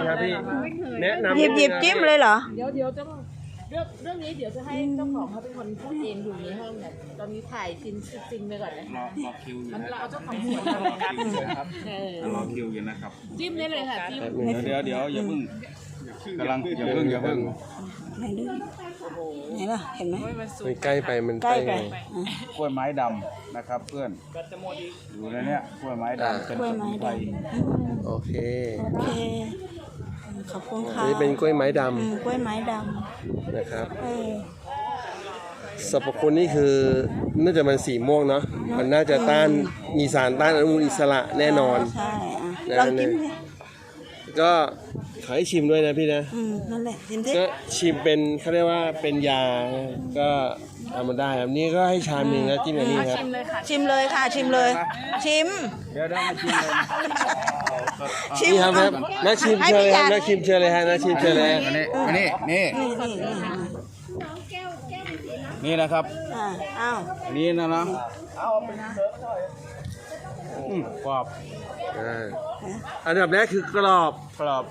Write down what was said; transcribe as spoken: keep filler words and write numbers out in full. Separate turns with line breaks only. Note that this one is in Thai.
ครับพี่แนะนำ
หยิบหยิบจิ้มเลยเหรอ
เดี๋ยวเดี๋ยวจะเรื่องเรื่องนี้เดี๋ยวจะให้เจ้าของเขาเป็นคนพูดเองอยู่ในห้องเนี่ยตอนนี้ถ่ายซินซินไปก่อนนะ
รอรอคิวอยู่
มัน
นะ
เราเอาเจ้าของสวนมา
รอคิวอยู่นะครับ
เออ
รอคิวอยู่นะครับ
จิ้มได้เลยค่ะจิ้ม
เดี๋ยวเดี๋ยวอย่าเพิ่งกำลังอย่าเพิ่งอย่าเพิ่ง
ไหนดูไหนล่ะเห็นไหม
มันใกล้ไปมัน
ใกล้ไป
ไง
อ่ะ
กล้วยไม้ดำนะครับเพื่อนอยู่ในเนี้ยกล้วยไม้ดำเป็น
กล้วย
ส
ไม้
มุนไพร
ดำ
โอเค
โอเคขอบคุณ
อั
ค่ะ
นนี้เป็นกล้วยไม้ด
อืมกล้วยไม้ด
ำนะครับ
ำเออ
สรรพคุณนี่คือน่าจะมันสีม่วงเนาะมันน่าจะต้านมีสารต้านอนุมูลอิสระแน่นอน
ใช่อ่ะ
นะ
ลองจิ้มดิ
ก็ขอให้ชิมด้วยนะพี่นะ
อืมนั่นแหละจิ้มดิ
ก็ชิมเป็นเขาเรียกว่าเป็นยาก็ทำมาได้ครับนี่ก็ให้ชามหนึ่งนะจิ้มกับนี่ครับ
ชิมเลยค่ะ ชิมเลย ชิม
เดี๋ยวได้มาชิมเลย
ชิม
นี่ครับครับนักชิมเชิญเลยครับนักชิมเชิญเลยฮะนักชิมเชิญเลยฮะ
อันนี้อันนี้นี่
นี่นี่นี่
นี่นะครับ
อ่าอ้าว
อันนี้นะนะอืมกรอบ
อ่าอันดับแรกคือกรอบ
กรอบ